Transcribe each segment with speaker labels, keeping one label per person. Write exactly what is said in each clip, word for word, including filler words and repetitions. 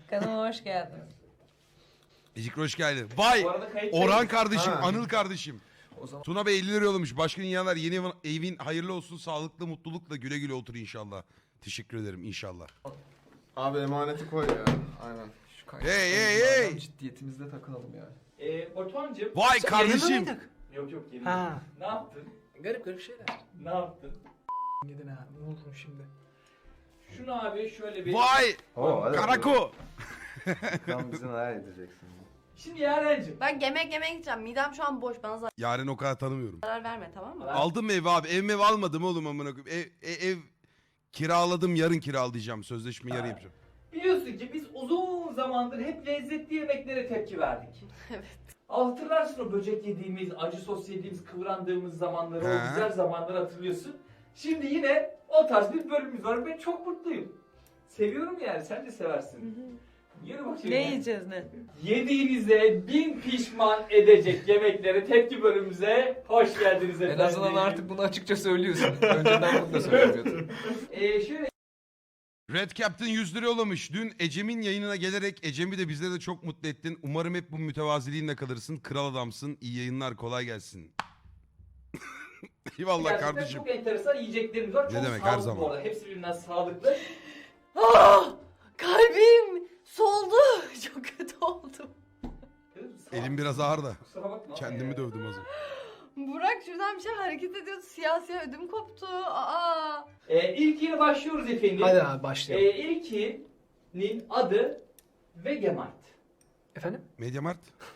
Speaker 1: Kanalıma hoş geldiniz.
Speaker 2: Ecik hoş geldin. Vay! Orhan kardeşim, ha. Anıl kardeşim. O zaman... Tuna Bey elli lira yollamış. Başka dünyalar yeni evin, evin hayırlı olsun, sağlıklı, mutlulukla güle güle otur inşallah. Teşekkür ederim inşallah.
Speaker 3: Abi emaneti koy ya. Aynen.
Speaker 2: Şu hey hey hey!
Speaker 4: Ciddiyetimizde takılalım yani.
Speaker 5: Eee Batuhan'cığım.
Speaker 2: Vay sen kardeşim.
Speaker 5: Yok yok yemin
Speaker 4: Ha.
Speaker 5: Ne yaptın?
Speaker 4: Garip garip şeyler.
Speaker 5: Ne yaptın?
Speaker 4: Gidin ha. Ne oldu şimdi?
Speaker 5: Şunu abi şöyle bir...
Speaker 2: Vay!
Speaker 3: Oo,
Speaker 2: Karako!
Speaker 3: Sen bizi neler edeceksin?
Speaker 5: Şimdi Yaren'cim.
Speaker 1: Ben yemek yemeye gideceğim. Midem şu an boş. Bana
Speaker 2: Yaren o kadar tanımıyorum.
Speaker 1: zarar verme, tamam mı?
Speaker 2: Aldım mı ev abi? Ev mev almadım oğlum amına koyayım. Ev, ev, ev kiraladım, yarın kiralayacağım. Sözleşme yarın yapacağım.
Speaker 5: Biliyorsun ki biz uzun zamandır hep lezzetli yemeklere tepki verdik.
Speaker 1: Evet.
Speaker 5: Hatırlarsın o böcek yediğimiz, acı sos yediğimiz, kıvrandığımız zamanları,
Speaker 2: He.
Speaker 5: o güzel zamanları hatırlıyorsun. Şimdi yine o tarz bir bölümümüz var. Ben çok mutluyum. Seviyorum yani, sen de seversin. Yürü bakayım.
Speaker 1: Ne yiyeceğiz ne?
Speaker 5: Yediğinize bin pişman edecek yemeklere tepki bölümümüze hoş geldiniz efendim.
Speaker 4: En azından artık bunu açıkça söylüyorsun. Önceden bunu da söylemiyordun.
Speaker 5: Ee, şöyle
Speaker 2: Red Captain yüz lira yollamış. Dün Ecem'in yayınına gelerek Ecem'i de bizleri de çok mutlu ettin. Umarım hep bu mütevaziliğinle kalırsın. Kral adamsın. İyi yayınlar, kolay gelsin. Eyvallah
Speaker 5: gerçekten
Speaker 2: kardeşim.
Speaker 5: çok enteresan yiyeceklerimiz var.
Speaker 2: Ne
Speaker 5: Çok
Speaker 2: demek, her
Speaker 5: sağlıklı
Speaker 2: zaman.
Speaker 5: bu arada. Hepsi birbirinden sağlıklı.
Speaker 1: Ah! Kalbim soldu. Çok kötü oldum.
Speaker 2: Elim biraz ağır da.
Speaker 5: Kusura bakma.
Speaker 2: Kendimi
Speaker 5: ya.
Speaker 2: dövdüm az önce.
Speaker 1: Burak şuradan bir şey hareket ediyordu. Siyah siyah ödüm koptu. Aa!
Speaker 5: Ee, ilkiyle başlıyoruz efendim.
Speaker 4: Hadi abi başlayalım.
Speaker 5: Ee, ilkinin adı Vegemite.
Speaker 4: Efendim?
Speaker 2: Mediamart.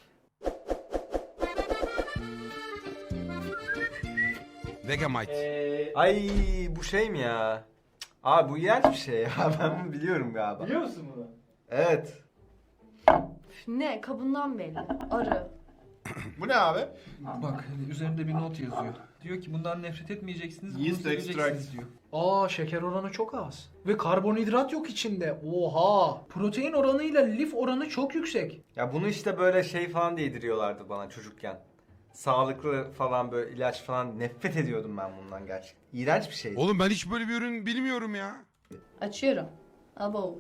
Speaker 2: Vegemite.
Speaker 5: Ee,
Speaker 3: Ay bu şey mi ya? Abi bu iğrenç bir şey ya. Ben bunu biliyorum galiba.
Speaker 5: biliyor musun bunu?
Speaker 3: Evet.
Speaker 1: Üf, ne? Kabından belli. Arı.
Speaker 3: Bu ne abi?
Speaker 4: Bak üzerinde bir not yazıyor. Diyor ki bundan nefret etmeyeceksiniz, bunu
Speaker 3: Yeast
Speaker 4: seveceksiniz
Speaker 3: extract.
Speaker 4: diyor. Aa şeker oranı çok az. Ve karbonhidrat yok içinde. Oha! Protein oranıyla lif oranı çok yüksek.
Speaker 3: Ya bunu işte böyle şey falan diye yediriyorlardı bana çocukken. Sağlıklı falan böyle ilaç falan, nefret ediyordum ben bundan gerçekten. İğrenç bir şey.
Speaker 2: Oğlum ben hiç böyle bir ürün bilmiyorum ya.
Speaker 1: Açıyorum. Abo.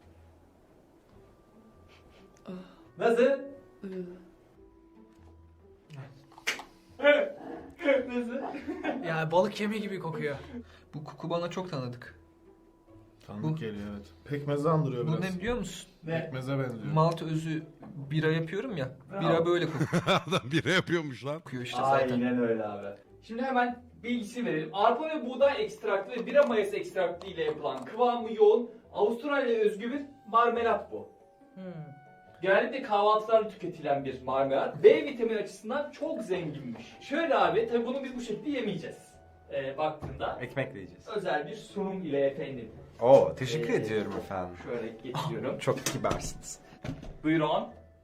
Speaker 5: Nasıl?
Speaker 1: Iı.
Speaker 5: Nasıl?
Speaker 4: Ya balık yemi gibi kokuyor. Bu koku bana çok tanıdık.
Speaker 6: Tanıdık
Speaker 4: Bu-
Speaker 6: geliyor evet. Pekmeze andırıyor
Speaker 4: Bu
Speaker 6: biraz.
Speaker 4: ne biliyor musun?
Speaker 5: Ne?
Speaker 6: Pekmeze benziyor.
Speaker 4: Malt özü bira yapıyorum ya.
Speaker 5: Bravo.
Speaker 4: Bira böyle kokuyor
Speaker 2: Adam bira yapıyormuş lan.
Speaker 4: işte zaten.
Speaker 5: Aynen öyle abi. Şimdi hemen bilgisi verelim. Arpa ve buğday ekstraktı ve bira mayası ekstraktı ile yapılan kıvamı yoğun Avustralya özgü bir marmelat bu.
Speaker 1: Hmm.
Speaker 5: Genellikle kahvaltılarda tüketilen bir marmelat. B vitamini açısından çok zenginmiş. Şöyle abi, tabi bunu biz bu şekilde yemeyeceğiz. Ee, baktığında
Speaker 3: Ekmekle yiyeceğiz.
Speaker 5: özel bir sunum ile efendim.
Speaker 3: Oo teşekkür
Speaker 5: Ee,
Speaker 3: ediyorum efendim.
Speaker 5: Şöyle getiriyorum.
Speaker 3: Çok kibarsınız.
Speaker 5: Buyurun.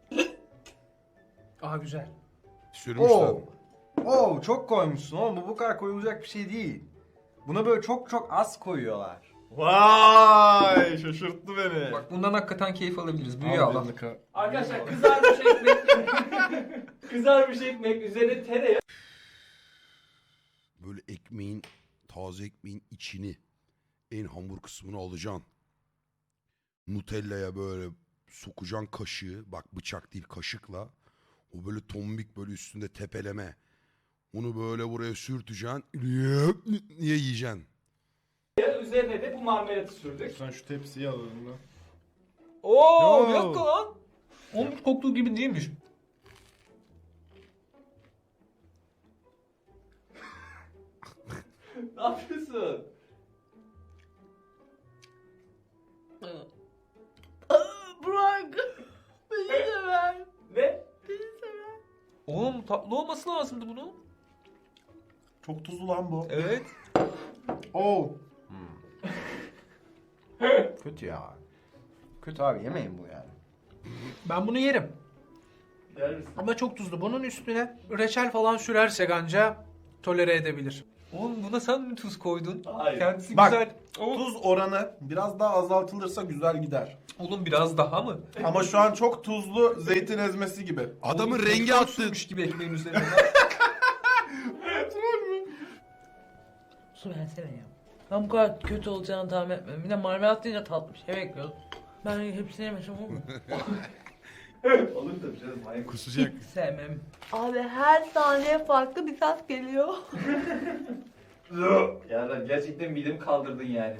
Speaker 4: Aa güzel.
Speaker 2: Sürmüşler.
Speaker 3: Oo. Oo çok koymuşsun oğlum, bu bu kadar koyulacak bir şey değil. Buna böyle çok çok az koyuyorlar.
Speaker 6: Vay şaşırttı beni.
Speaker 4: Bak bundan hakikaten keyif alabiliriz. Büyüğü
Speaker 6: Al
Speaker 4: Allah.
Speaker 6: elini ka-
Speaker 5: Arkadaşlar kızarmış ekmek. kızarmış ekmek üzerine tereyağı.
Speaker 2: Böyle ekmeğin, taze ekmeğin içini, en hamur kısmını alacaksın. Nutella'ya böyle sokacaksın kaşığı. Bak bıçak değil, kaşıkla. O böyle tombik böyle üstünde tepeleme. Onu böyle buraya sürteceksin. Niye yiyeceksin?
Speaker 5: Üzerine de bu marmelatı sürdük.
Speaker 6: Sen şu tepsiyi al elinden.
Speaker 4: Oo
Speaker 2: Yo.
Speaker 4: bir dakika lan. Onun koktuğu gibi değilmiş.
Speaker 5: Ne yapıyorsun?
Speaker 1: Aa, Burak. Beni de ver.
Speaker 5: Ne?
Speaker 1: Beni de ver.
Speaker 4: Oğlum tatlı olması lazımdı bunun.
Speaker 6: Çok tuzlu lan bu.
Speaker 4: Evet.
Speaker 6: Oo.
Speaker 3: Kötü ya. Kötü abi, yemeyin bu yani.
Speaker 4: Ben bunu yerim.
Speaker 5: Yer misin?
Speaker 4: Ama çok tuzlu. Bunun üstüne reçel falan sürersek anca tolere edebilir. Oğlum buna sen mi tuz koydun?
Speaker 5: Hayır.
Speaker 4: Kendisi
Speaker 6: Bak,
Speaker 4: güzel. Oğlum,
Speaker 6: Tuz oranı biraz daha azaltılırsa güzel gider.
Speaker 4: oğlum biraz daha mı?
Speaker 6: Ama şu an çok tuzlu zeytin ezmesi gibi.
Speaker 2: Adamın
Speaker 4: Oğlum,
Speaker 2: rengi
Speaker 4: tuzdan
Speaker 2: attı.
Speaker 4: sürmüş gibi ekmeğin üzerine.
Speaker 1: Su versene ya. Ben bu kadar kötü olacağını tahmin etmedim. Bir de marmelat deyince tatlı bir şey bekliyorum.
Speaker 7: Ben hepsini yemesem olur mu?
Speaker 5: Olur tabii canım. Manyak.
Speaker 2: Kusacak.
Speaker 7: Sevmem.
Speaker 1: Abi her saniye farklı bir ses geliyor.
Speaker 5: Ya lan gerçekten midemi kaldırdın yani.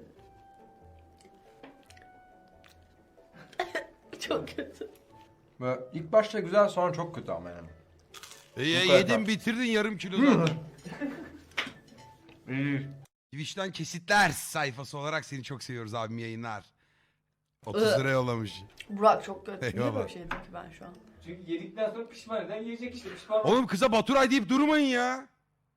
Speaker 1: Çok kötü.
Speaker 3: Böyle ilk başta güzel, sonra çok kötü ama yani.
Speaker 2: E, e,
Speaker 3: Bu kadar.
Speaker 2: yedin bitirdin yarım kilo zaten.
Speaker 3: İyi.
Speaker 2: Twitch'ten kesitler sayfası olarak seni çok seviyoruz abim, yayınlar. otuz lira yollamış.
Speaker 1: Burak çok kötü. Niye
Speaker 2: Eyvallah.
Speaker 1: böyle şey dedim ki ben şu an?
Speaker 5: Çünkü yedikten sonra pişman eden yiyecek işte. Pişman
Speaker 2: Oğlum kıza Baturay deyip durmayın ya.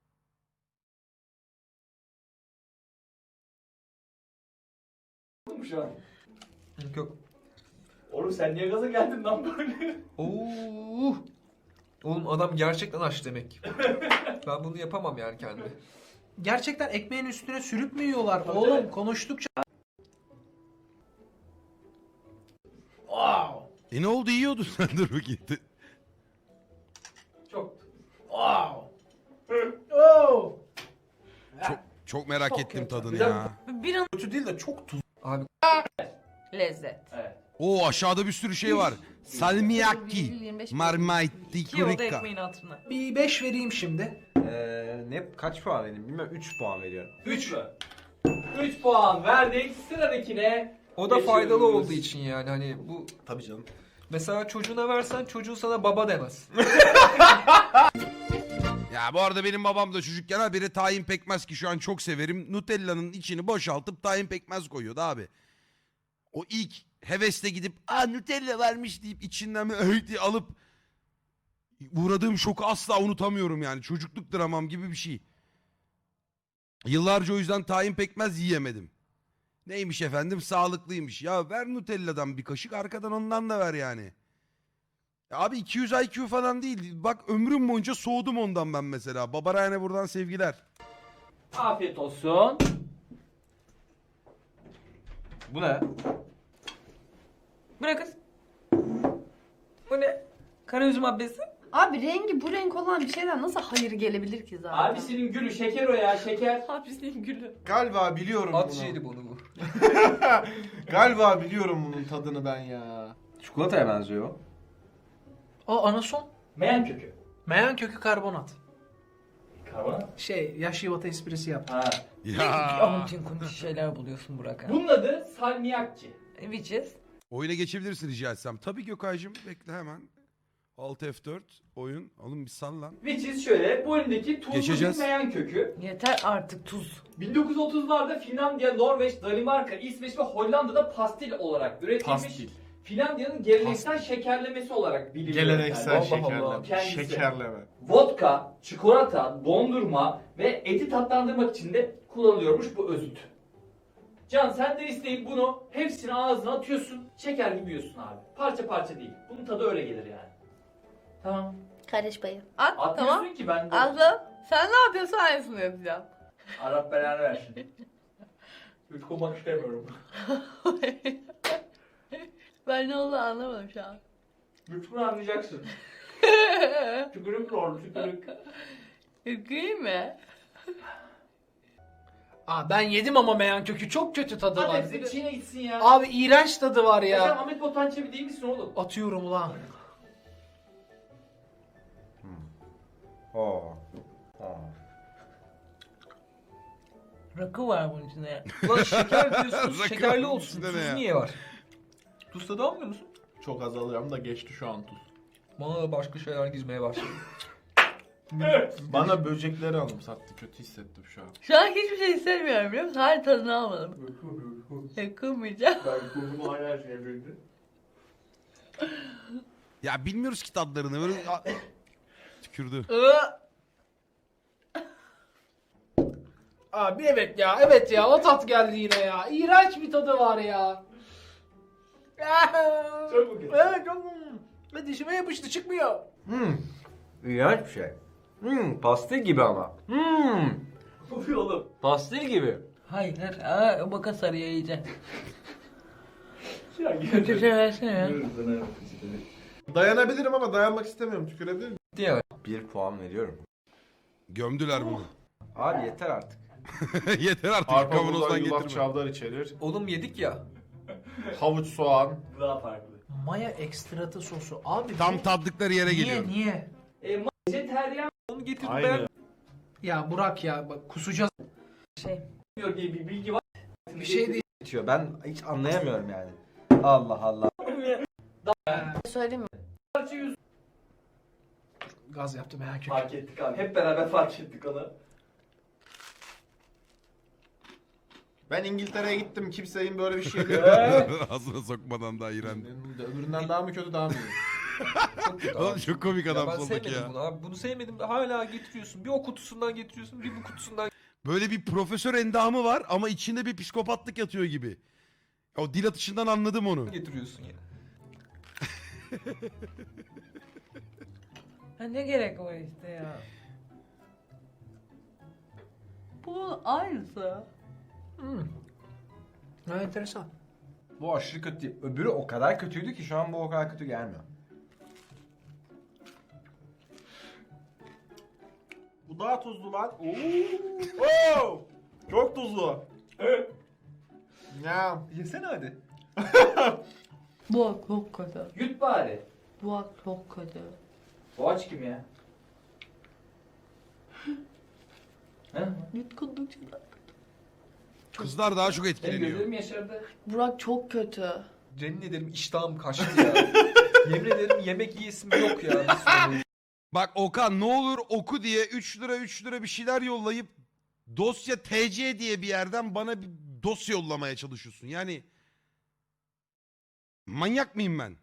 Speaker 5: oldum şu an.
Speaker 3: Yok.
Speaker 5: Oğlum sen niye gaza geldin lan böyle?
Speaker 8: Oo. Oğlum adam gerçekten aç demek. Ben bunu yapamam yani kendime.
Speaker 4: Gerçekten ekmeğin üstüne sürüp mü yiyorlar?
Speaker 5: Tabii,
Speaker 4: Oğlum
Speaker 5: evet.
Speaker 4: konuştukça... Wow!
Speaker 2: E ne oldu, yiyordun sen, dur bakayım.
Speaker 5: Çok.
Speaker 4: Wow! Oh!
Speaker 2: Çok, çok merak
Speaker 4: Çok
Speaker 2: ettim
Speaker 4: kötü.
Speaker 2: tadını
Speaker 5: Güzel
Speaker 2: ya.
Speaker 1: Bir an
Speaker 6: Kötü değil de çok tuzlu.
Speaker 8: Abi
Speaker 1: lezzet.
Speaker 5: Evet.
Speaker 2: Oo, aşağıda bir sürü şey var. Salmiakki,
Speaker 1: yirmi beş
Speaker 2: marmite,
Speaker 7: İki oldu
Speaker 2: kurika.
Speaker 7: ekmeğin hatırına.
Speaker 4: Bir beş vereyim şimdi.
Speaker 3: Ee, ne kaç puan vereyim bilmiyorum. üç puan veriyorum.
Speaker 5: üç mü? üç puan verdik. Sıradakine
Speaker 8: o da
Speaker 5: geçiyoruz.
Speaker 8: faydalı olduğu için yani hani bu
Speaker 6: Tabii canım.
Speaker 8: mesela çocuğuna versen çocuğu sana baba demez.
Speaker 2: Ya bu arada benim babam da çocukken habire tahin pekmez, ki şu an çok severim. Nutella'nın içini boşaltıp tahin pekmez koyuyordu abi. O ilk hevesle gidip aa Nutella varmış deyip içinden bir öğüt diye alıp uğradığım şoku asla unutamıyorum yani. Çocukluk dramam gibi bir şey. Yıllarca o yüzden tahin pekmez yiyemedim. Neymiş efendim, sağlıklıymış. Ya ver Nutella'dan bir kaşık, arkadan ondan da ver yani. Ya abi iki yüz I Q falan değil. Bak ömrüm boyunca soğudum ondan ben mesela. Babarayane buradan sevgiler.
Speaker 5: Afiyet olsun.
Speaker 3: Bu ne?
Speaker 7: Bu ne kız? Bu ne? Karaüzüm abbesi.
Speaker 1: Abi rengi bu renk olan bir şeyden nasıl hayır gelebilir ki zaten?
Speaker 5: Abisinin gülü şeker o ya şeker.
Speaker 1: Abisinin gülü.
Speaker 6: Galiba biliyorum
Speaker 8: At
Speaker 6: bunu.
Speaker 8: şeydi bunu bu.
Speaker 6: Galiba biliyorum bunun tadını ben ya.
Speaker 3: Çikolataya benziyor.
Speaker 4: O anason.
Speaker 5: Meyan kökü.
Speaker 4: Meyan kökü karbonat.
Speaker 5: Karbonat.
Speaker 4: Şey, yaş yuvata esprisi yap.
Speaker 5: Ha.
Speaker 2: Ya.
Speaker 7: Amutin kuntin şeyler buluyorsun Burak ha.
Speaker 5: Bunun adı salmiakki.
Speaker 7: Which is?
Speaker 2: Oyuna geçebilirsin rica etsem. Tabii Gökay'cığım, bekle hemen. Alt F dört oyun. Oğlum bir sal lan.
Speaker 5: Which is şöyle, bu elindeki tuzlu
Speaker 2: Geçeceğiz.
Speaker 5: bir meyan kökü.
Speaker 7: Yeter artık tuz.
Speaker 5: bin dokuz yüz otuzlarda Finlandiya, Norveç, Danimarka, İsveç ve Hollanda'da pastil olarak üretilmiş.
Speaker 6: Pastil.
Speaker 5: Finlandiya'nın geleneksel şekerlemesi olarak biliniyor.
Speaker 6: Geleneksel
Speaker 5: Yani.
Speaker 6: şekerleme.
Speaker 5: Kendisi.
Speaker 6: Şekerleme.
Speaker 5: Vodka, çikolata, dondurma ve eti tatlandırmak için de kullanılıyormuş bu özüt. Can sen de isteyip bunu hepsini ağzına atıyorsun. Şeker gibi yiyorsun abi. Parça parça değil. Bunun tadı öyle gelir yani. Tamam.
Speaker 1: Kardeş payı. At
Speaker 5: Atmıyorsun
Speaker 1: tamam.
Speaker 5: ki ben de.
Speaker 1: Aslı sen ne yapıyorsun, aynısını yapacağım.
Speaker 5: Arap belanı versin. Yutkunmak istemiyorum.
Speaker 1: Ben ne olduğunu anlamadım şu an.
Speaker 5: Yutkun anlayacaksın. Tükürük oldu tükürük.
Speaker 1: Yüküyüm mi?
Speaker 4: Aa, ben yedim ama meyan kökü çok kötü tadı
Speaker 5: Hadi
Speaker 4: var.
Speaker 5: hepsi içine gitsin ya.
Speaker 4: Abi iğrenç tadı var
Speaker 5: Ya sen
Speaker 4: ya.
Speaker 5: Ahmet Botan Çebi değil misin oğlum?
Speaker 4: Atıyorum ulan.
Speaker 3: Oo. Oo.
Speaker 7: Rakı var bunun içinde.
Speaker 8: Ulan şeker diyorsunuz
Speaker 2: Rakı
Speaker 8: şekerli
Speaker 2: var
Speaker 8: olsun.
Speaker 2: içinde ne
Speaker 8: Tuz
Speaker 2: ya?
Speaker 8: niye var? Tuz tadı almıyor musun?
Speaker 6: Çok az alıyorum da geçti şu an tuz.
Speaker 8: Bana da başka şeyler gizmeye başladı.
Speaker 6: Bana böcekleri anımsattı. Kötü hissettim şu an.
Speaker 1: Şu an hiçbir şey istemiyorum biliyor musun? Her tadını almadım. Yakınmayacağım.
Speaker 5: Ben kurduğum hala şey bildi.
Speaker 2: Ya bilmiyoruz ki tadlarını. Böyle A- tükürdü.
Speaker 4: Abi evet ya, evet ya, o tat geldi yine ya. İğrenç bir tadı var ya.
Speaker 5: Çok mu kötü?
Speaker 4: Evet çok. Ve dişime yapıştı, çıkmıyor.
Speaker 3: Hmm. İğrenç bir şey. Hmm. Pastil gibi ama. Hmm.
Speaker 5: Oluyor oğlum.
Speaker 3: Pastil gibi.
Speaker 7: Hayır. Aa, o baka sarıya yiyeceksin.
Speaker 5: Ya
Speaker 7: Kötü şey versene ya.
Speaker 6: Dayanabilirim ama dayanmak istemiyorum. Tükerebilir miyim?
Speaker 8: Diye.
Speaker 3: Bir puan veriyorum.
Speaker 2: Gömdüler bunu.
Speaker 3: Abi yeter artık.
Speaker 2: Yeter artık,
Speaker 6: Arpa, buğday,
Speaker 2: kavanozdan
Speaker 6: yulaf,
Speaker 2: getirme.
Speaker 6: çavdar içerir.
Speaker 8: Oğlum yedik ya.
Speaker 6: Havuç, soğan.
Speaker 5: Bu daha farklı.
Speaker 4: Maya ekstratı sosu. Abi
Speaker 2: Tam
Speaker 4: bu-
Speaker 2: tatlıkları yere
Speaker 4: niye
Speaker 2: geliyorum.
Speaker 4: niye?
Speaker 5: E, vejeteryan
Speaker 8: Onu getirdim
Speaker 6: Aynı.
Speaker 8: ben.
Speaker 4: Ya Burak ya bak kusacağız.
Speaker 7: Şey.
Speaker 5: diyor diye bir bilgi var.
Speaker 4: Bir şey değil.
Speaker 3: Bitiyor. Ben hiç anlayamıyorum yani. Allah Allah.
Speaker 1: Söyleyeyim mi?
Speaker 5: Parça yüz
Speaker 4: Gaz yaptım merak etme.
Speaker 5: fark ettik abi. Hep beraber fark ettik onu.
Speaker 6: Ben İngiltere'ye gittim. Kimsenin böyle bir şey değil.
Speaker 2: Ağzına sokmadan da iğrendi.
Speaker 6: Öbüründen daha mı kötü daha mı iyi?
Speaker 8: Çok kötü
Speaker 2: Oğlum
Speaker 8: abi.
Speaker 2: çok komik adam
Speaker 8: Ya ben
Speaker 2: soldaki
Speaker 8: sevmedim
Speaker 2: ya.
Speaker 8: bunu abi. Bunu sevmedim. Hala getiriyorsun. Bir o kutusundan getiriyorsun. Bir bu kutusundan
Speaker 2: Böyle bir profesör endamı var ama içinde bir psikopatlık yatıyor gibi. O dil atışından anladım onu.
Speaker 8: getiriyorsun ya.
Speaker 7: Ha, ne gerek var işte ya.
Speaker 1: Bu aynısı.
Speaker 4: Hmm. Ha, enteresan.
Speaker 3: Bu aşırı kötü değil. Öbürü o kadar kötüydü ki şu an bu o kadar kötü gelmiyor.
Speaker 6: Bu daha tuzlu lan. Oo. Oo. Çok tuzlu. Ya.
Speaker 8: Yesene hadi.
Speaker 1: Bu çok kötü.
Speaker 5: Yut bari.
Speaker 1: Bu çok kötü.
Speaker 5: Boğaç kim ya? He?
Speaker 1: Yutkundukça da.
Speaker 2: Kızlar daha çok
Speaker 5: Benim
Speaker 2: etkileniyor.
Speaker 5: gözlerim yaşardı.
Speaker 1: Burak çok kötü.
Speaker 8: Cenin ederim iştahım kaçtı ya. Yemin ederim yemek yiyesim yok ya. Bir sürü.
Speaker 2: Bak Okan ne olur oku diye üç lira üç lira bir şeyler yollayıp dosya T C diye bir yerden bana bir dosya yollamaya çalışıyorsun. Yani manyak mıyım ben?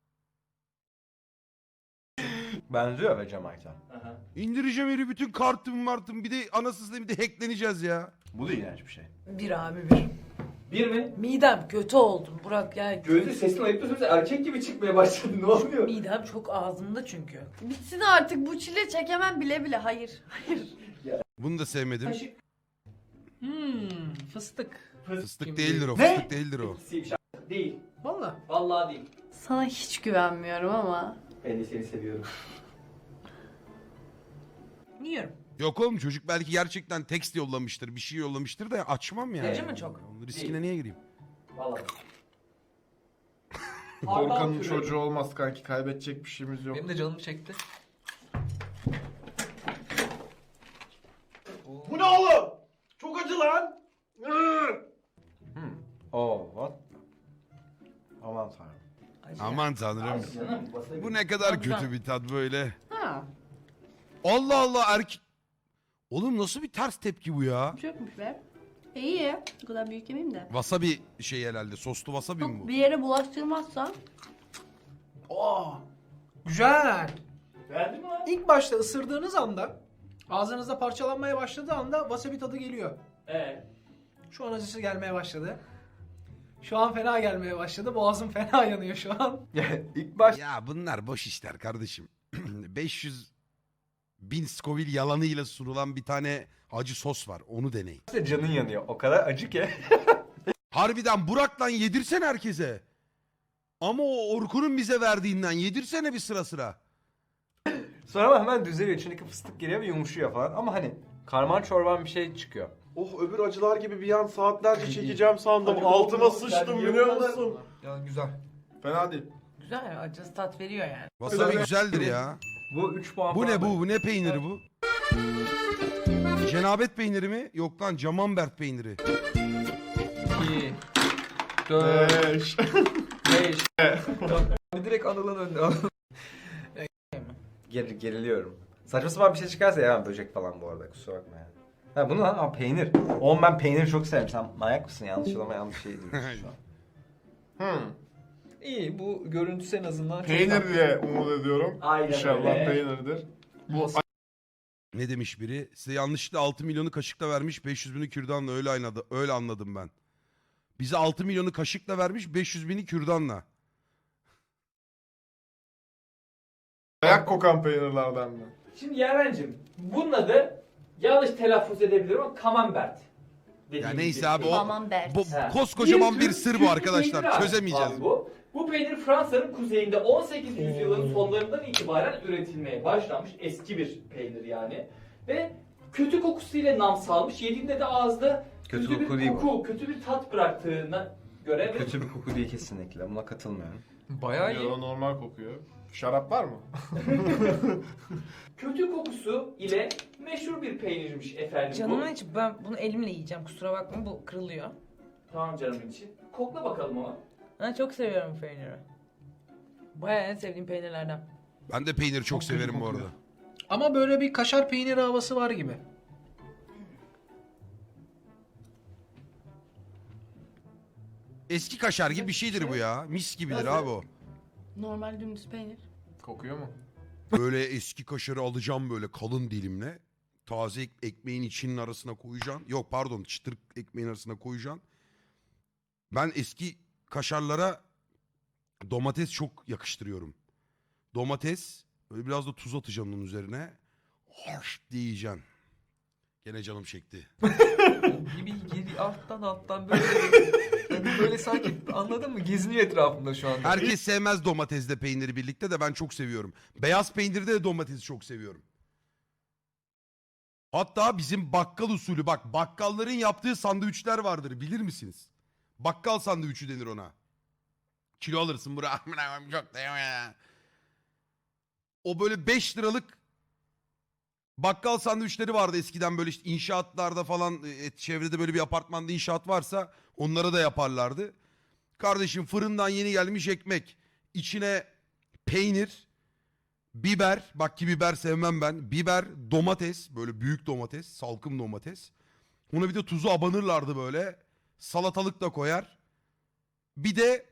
Speaker 3: Benziyor be Cemaita.
Speaker 5: Aha.
Speaker 2: İndireceğim yeri bütün kartım martım bir de anasızla bir de hackleneceğiz ya.
Speaker 3: Bu da iğrenç bir şey.
Speaker 7: Bir abi bir.
Speaker 5: Bir mi?
Speaker 7: Midem kötü oldum Burak ya.
Speaker 5: Gözü sesini ayıp da erkek gibi çıkmaya başladı. Ne oluyor?
Speaker 7: Midem çok ağzımda çünkü.
Speaker 1: Bitsin artık bu çile çekemem bile bile. Hayır. Hayır.
Speaker 2: Bunu da sevmedim.
Speaker 5: Kaşık
Speaker 4: Hmm, fıstık.
Speaker 2: Fıstık
Speaker 4: Kim
Speaker 2: değildir o,
Speaker 5: Ne?
Speaker 2: fıstık değildir o.
Speaker 5: siymiş. Değil.
Speaker 4: Valla.
Speaker 5: Vallahi değil.
Speaker 1: Sana hiç güvenmiyorum ama.
Speaker 5: Ben de seni seviyorum.
Speaker 7: Yiyorum.
Speaker 2: Yok oğlum çocuk belki gerçekten tekst yollamıştır, bir şey yollamıştır da açmam yani.
Speaker 7: Acı mı çok?
Speaker 2: Onun riskine niye gireyim?
Speaker 5: Vallahi.
Speaker 6: Korkanın
Speaker 5: türü.
Speaker 6: çocuğu olmaz kanki. Kaybedecek bir şeyimiz yok.
Speaker 8: Benim de canım çekti.
Speaker 6: Bu ne oğlum? Çok acı lan.
Speaker 3: Hmm. Oo, what? Aman tanrım.
Speaker 7: Acı.
Speaker 2: Aman tanrım.
Speaker 5: Ay canım, wasabi.
Speaker 2: Bu ne kadar
Speaker 7: Güzel.
Speaker 2: kötü bir tat böyle.
Speaker 1: Ha.
Speaker 2: Allah Allah erkek... Oğlum nasıl bir ters tepki bu ya?
Speaker 1: Çökmüş be. E, iyi. Bu kadar büyük yemeyeyim de.
Speaker 2: Wasabi şey herhalde. Soslu wasabi mi
Speaker 1: Çok
Speaker 2: bu?
Speaker 1: bir yere bulaştırmazsan.
Speaker 4: Oo. Güzel.
Speaker 5: Beğendin mi lan?
Speaker 4: İlk başta ısırdığınız anda ağzınızda parçalanmaya başladığı anda wasabi tadı geliyor.
Speaker 5: Ee,
Speaker 4: Şu an acısı gelmeye başladı. Şu an fena gelmeye başladı. Boğazım fena yanıyor şu an.
Speaker 3: İlk baş
Speaker 2: Ya bunlar boş işler kardeşim. beş yüz bin Scoville yalanıyla sunulan bir tane acı sos var. Onu deneyin.
Speaker 3: başta canın yanıyor. O kadar acı ki.
Speaker 2: Harbiden Burak'tan yedirsen herkese. Ama o Orkun'un bize verdiğinden yedirsene bir sıra sıra.
Speaker 3: Sonra ama hemen düzeliyor. İçindeki fıstık geliyor ve yumuşuyor falan. Ama hani karman çorban bir şey çıkıyor.
Speaker 6: Oh öbür acılar gibi bir an saatlerce çekeceğim sandım.
Speaker 5: Acı
Speaker 6: Altıma
Speaker 5: kokulu,
Speaker 6: sıçtım
Speaker 5: yani
Speaker 6: biliyor
Speaker 5: yiyorlar.
Speaker 6: musun?
Speaker 8: Yani güzel.
Speaker 6: Fena değil.
Speaker 7: Güzel acısı tat veriyor yani.
Speaker 2: Wasabi güzeldir ya.
Speaker 3: Bu üç puan
Speaker 2: Bu
Speaker 3: falan
Speaker 2: ne bu?
Speaker 3: böyle.
Speaker 2: Bu ne peyniri bu? Cenabet peyniri mi? Yok lan Camembert peyniri.
Speaker 8: İki. Dört.
Speaker 6: Beş.
Speaker 8: Beş. Abi direkt Anıl'ın önüne al.
Speaker 3: Ger geriliyorum. Saçma sapan bir şey çıkarsa ya böcek falan bu arada kusura bakma yani. Ha bunu lan ha, peynir. Oğlum ben peyniri çok severim. Sen manyak mısın? Yanlış ama yanlış şey diyorsun şu an.
Speaker 6: Hmm.
Speaker 8: İyi bu görüntüsü en azından çok
Speaker 6: Peynir
Speaker 8: tatlı.
Speaker 6: diye umut ediyorum.
Speaker 5: Aynen
Speaker 6: İnşallah
Speaker 5: öyle.
Speaker 6: peynirdir. Bu
Speaker 2: Ne demiş biri? Size yanlışlıkla altı milyonu kaşıkla vermiş, beş yüz bini kürdanla öyle anladı. Öyle anladım ben. Bize altı milyonu kaşıkla vermiş, beş yüz bini kürdanla.
Speaker 6: ayak kokan peynirlerden mi?
Speaker 5: Şimdi Yaren'cim bunun adı yanlış telaffuz edebilirim ama Camembert.
Speaker 2: Ya neyse abi o
Speaker 1: Aman Bert.
Speaker 2: bu
Speaker 5: Ha.
Speaker 2: koskocaman bir
Speaker 5: tür-
Speaker 2: sır
Speaker 5: tür
Speaker 2: bu
Speaker 5: bir
Speaker 2: arkadaşlar.
Speaker 5: peynir abi.
Speaker 2: Çözemeyeceğiz.
Speaker 5: Abi bu. Bu peynir Fransa'nın kuzeyinde on sekizinci yüzyılın sonlarından itibaren üretilmeye başlanmış eski bir peynir yani. Ve kötü kokusuyla nam salmış. Yediğinde de ağızda
Speaker 3: Kötü
Speaker 5: kötü,
Speaker 3: koku
Speaker 5: bir
Speaker 3: değil bu.
Speaker 5: koku, kötü bir tat bıraktığına göre ve
Speaker 3: Kötü bir koku değil kesinlikle. Buna katılmıyorum.
Speaker 8: Bayağı iyi.
Speaker 6: Yo, normal kokuyor. Şarap var mı?
Speaker 5: kötü kokusu ile meşhur bir peynirmiş efendim
Speaker 7: Canımın
Speaker 5: bu.
Speaker 7: içi ben bunu elimle yiyeceğim kusura bakma bu kırılıyor.
Speaker 5: Tamam canımın içi. Kokla bakalım ama.
Speaker 7: Ben çok seviyorum bu peyniri. Bayağı en sevdiğim peynirlerden.
Speaker 2: Ben de peyniri çok,
Speaker 4: Çok kötü
Speaker 2: severim bu
Speaker 4: kokuyor.
Speaker 2: arada.
Speaker 4: Ama böyle bir kaşar peyniri havası var gibi.
Speaker 2: Eski kaşar gibi bir şeydir bu ya. Mis gibidir abi o.
Speaker 1: Normal dümdüz peynir.
Speaker 6: Kokuyor mu?
Speaker 2: Böyle eski kaşarı alacağım böyle kalın dilimle. Taze ek- ekmeğin içinin arasına koyacaksın. Yok pardon, çıtır ekmeğin arasına koyacaksın. Ben eski kaşarlara domates çok yakıştırıyorum. Domates, böyle biraz da tuz atacaksın onun üzerine. Harş diye yiyeceksin. Gene canım çekti.
Speaker 8: Bir, bir, bir alttan alttan böyle yani böyle sanki anladın mı? Geziniyor etrafımda şu anda.
Speaker 2: Herkes sevmez domatesle peyniri birlikte de ben çok seviyorum. Beyaz peynirde de domatesi çok seviyorum. Hatta bizim bakkal usulü, bak bakkalların yaptığı sandviçler vardır, bilir misiniz? Bakkal sandviçi denir ona. Kilo alırsın buraya. Çok da ya. O böyle beş liralık bakkal sandviçleri vardı eskiden, böyle işte inşaatlarda falan, e, çevrede böyle bir apartmanda inşaat varsa onlara da yaparlardı. Kardeşim fırından yeni gelmiş ekmek, içine peynir, biber, bak ki biber sevmem ben, biber, domates, böyle büyük domates, salkım domates. Ona bir de tuzu abanırlardı böyle, salatalık da koyar. Bir de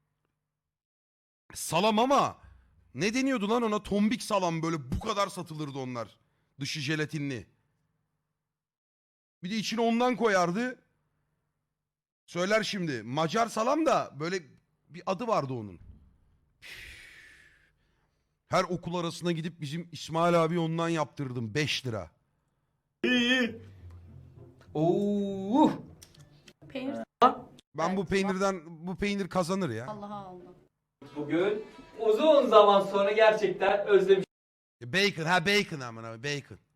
Speaker 2: salam, ama ne deniyordu lan ona, tombik salam, böyle bu kadar satılırdı onlar. Dışı jelatinli. Bir de içine ondan koyardı. Söyler şimdi. Macar salam da böyle bir adı vardı onun. Her okul arasına gidip bizim İsmail abi ondan yaptırdım. beş lira.
Speaker 8: Oo.
Speaker 1: Peynir
Speaker 2: Ben bu
Speaker 1: Evet,
Speaker 2: peynirden, bu peynir kazanır ya.
Speaker 1: Allah'a aldım.
Speaker 5: Bugün uzun zaman sonra gerçekten özlemiş
Speaker 2: Bacon, ha bacon aman abi, bacon.